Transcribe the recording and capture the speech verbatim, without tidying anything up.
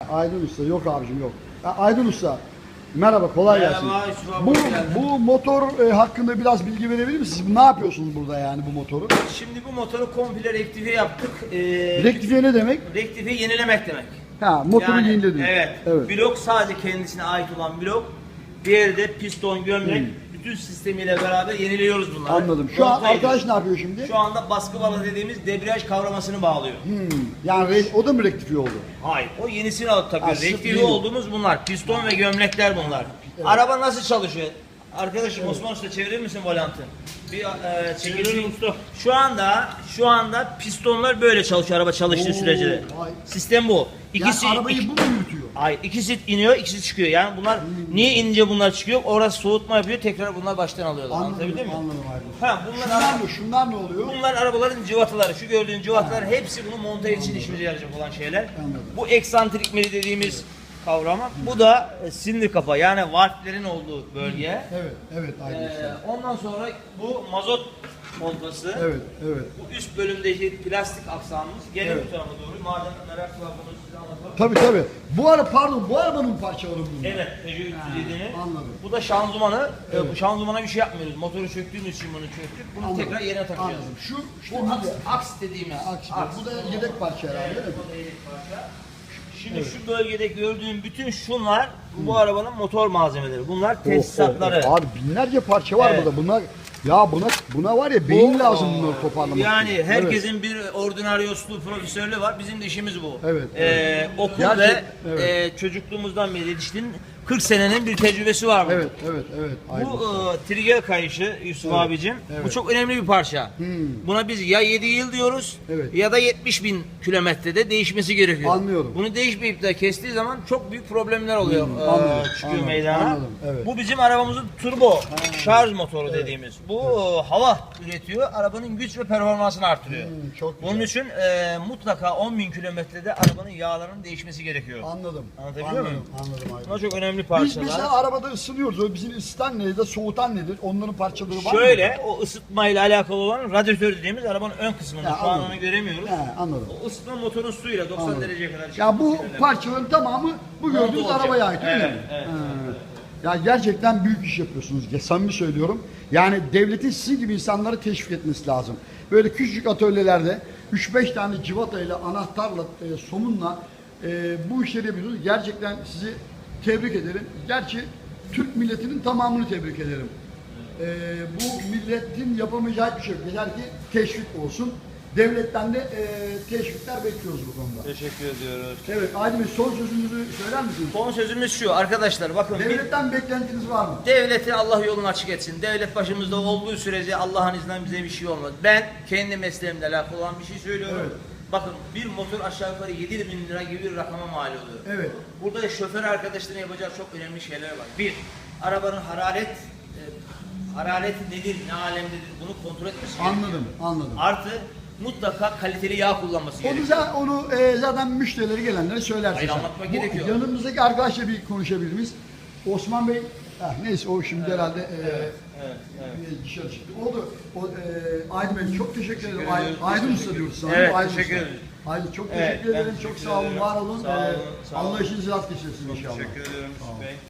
Aydın Usta yok abicim yok. Ya Aydın Usta merhaba, kolay gelsin. Merhaba, Yusuf abi, Bu, hoş geldin. bu motor e, hakkında biraz bilgi verebilir misiniz? Ne yapıyorsunuz burada yani bu motoru? Şimdi bu motoru komple rektifiye yaptık. Ee, Rektifiye ne demek? rektifiye yenilemek demek. Ha, motoru Yani, yenilediniz. Evet. Evet. Blok sadece kendisine ait olan blok. Diğeri de piston, gömlek. Bütün sistemiyle beraber yeniliyoruz bunları. Anladım. Şu an Monte arkadaş ediyoruz. ne yapıyor şimdi? Şu anda baskı balı dediğimiz debriyaj kavramasını bağlıyor. Hmm, yani re- o da mı rektifiye oldu? Hayır. O yenisini alıp takıyoruz. Ha, sırf Rektifiye yeni. olduğumuz bunlar. Piston ve gömlekler bunlar. Araba nasıl çalışıyor? Arkadaşım Osman Usta çevirir misin volantı? Bir e, çekelim usta. Şu anda şu anda pistonlar böyle çalışıyor araba çalıştığı Oo, sürece. vay. Sistem bu. İkisi Yani arabayı iki- bu mu yürütüyor? Hayır, ikisi iniyor, ikisi çıkıyor. Yani bunlar niye inince bunlar çıkıyor? Orası soğutma yapıyor, tekrar bunlar baştan alıyorlar. Anladım, Anlatabildim mi? anladım Aydın. Ha, bunlar Şunlar ara- ne? Şunlar ne oluyor? Bunlar arabaların cıvataları. Şu gördüğün cıvatalar hepsi bunu monte için işimize yarayacak olan şeyler. Anladım. Bu eksantrik meri dediğimiz kavrama. Bu da e, silindir kapağı. Yani valflerin olduğu bölge. Evet, evet Aydın Ee, Usta. ondan sonra bu mazot pompası. Evet, evet. Bu üst bölümdeki plastik aksamımız. Gelin Evet. bu tarafa doğru. Madem merak var bunu size anlatalım. Tabii tabii. Bu ara pardon, bu arabanın parçaları bunlar. Evet, Peugeot üç yüz yedi'nin. anladım. Bu da şanzımanı. Ee, Evet. Bu şanzımana bir şey yapmıyoruz. Motoru söktüğümüz için bunu söktük. Bunu Anladım. tekrar yerine takacağız. Anladım. Şu, şu Bu aks, aks dediğimiz. Aks, bu da yedek parça herhalde değil mi? Bu da yedek parça. Şimdi şu bölgede gördüğün bütün şunlar bu arabanın motor malzemeleri. Bunlar tesisatları. Oh, oh, oh. Abi binlerce parça var Evet. burada. Bunlar ya buna buna var ya beyin Bu, lazım bunları toparlamak. Yani için. herkesin bir ordinaryosluğu, profesörlüğü var. Bizim de işimiz bu. Evet, Ee, evet. okul Gerçek- ve evet. e, çocukluğumuzdan beri yetiştiğin kırk senenin bir tecrübesi var. Evet, evet, evet. Aydın Bu Usta. e, trigger kayışı Yusuf Evet, abicim. evet. Bu çok önemli bir parça. Hmm. Buna biz ya yedi yıl diyoruz Evet. ya da yetmiş bin kilometrede değişmesi gerekiyor. Anlıyorum. Bunu değişmeyip de kestiği zaman çok büyük problemler oluyor. Hmm, e, anladım, çıkıyor anladım, meydana. anladım, evet. Bu bizim arabamızın turbo şarj motoru dediğimiz. Bu e, hava üretiyor. Arabanın güç ve performansını artırıyor. Hmm, çok güzel. Bunun için e, mutlaka on bin kilometrede arabanın yağlarının değişmesi gerekiyor. Anladım. Anlatabiliyor anladım, muyum? Anladım Aydın. Bunlar çok önemli Biz parçalar. mesela arabada ısınıyoruz. O bizim ısıtan nedir, soğutan nedir? Onların parçaları var mı? Şöyle o ısıtmayla alakalı olan radyatör dediğimiz arabanın ön kısmında. Ya, Şu an anladım. onu göremiyoruz. He, anladım. O ısıtma motorun suyuyla doksan Anladım. dereceye kadar Ya bu çıkması parçaların tamamı bu Monte gördüğünüz olacak. arabaya ait öyle Evet, mi? evet, He. Ya gerçekten büyük iş yapıyorsunuz. Ya, samimi söylüyorum. Yani devletin sizin gibi insanları teşvik etmesi lazım. Böyle küçücük atölyelerde üç beş tane civatayla, anahtarla, e, somunla e, bu işleri yapıyorsunuz. Gerçekten sizi tebrik ederim. Gerçi Türk milletinin tamamını tebrik ederim. E, bu milletin yapamayacağı bir şey yok. Yeter ki teşvik olsun. Devletten de e, teşvikler bekliyoruz bu konuda. Teşekkür ediyoruz. Evet Aydın Bey, son sözünüzü söyler misiniz? Son sözümüz şu arkadaşlar bakın bir Devletten beklentiniz var mı? devleti Allah yolunu açık etsin. Devlet başımızda olduğu sürece Allah'ın izniyle bize bir şey olmaz. Ben kendi mesleğimle alakalı olan bir şey söylüyorum. Evet. Bakın bir motor aşağı yukarı yedi bin lira gibi bir rakama mal oluyor. Evet. Burada da şoför arkadaşların yapacağı çok önemli şeyler var. Bir, arabanın hararet e, harareti nedir, ne alemdedir bunu kontrol etmesi gerekiyor. Anladım, anladım. Artı mutlaka kaliteli yağ kullanması Onu, gerekiyor. za- onu e, zaten müşterileri gelenlere söylersiniz. Hayır, anlatmak Bu gerekiyor. Yanımızdaki arkadaşla bir konuşabilir miyiz? Osman Bey, ah, neyse o şimdi herhalde e, Evet, evet. e, dışarı çıktı. Oldu. O, e, Aydın Bey çok teşekkür ederim. Ay- ediyoruz. Aydın Teşekkür Usta ediyoruz. diyoruz sana. Evet, Aydın teşekkür Usta. ederim. Aydın çok Evet, teşekkür ben ederim. Çok teşekkür sağ olun, ederim. var olun. Sağ olun, E, sağ olun. Allah işinizi rast getirsin inşallah. Teşekkür ederim Yusuf Bey.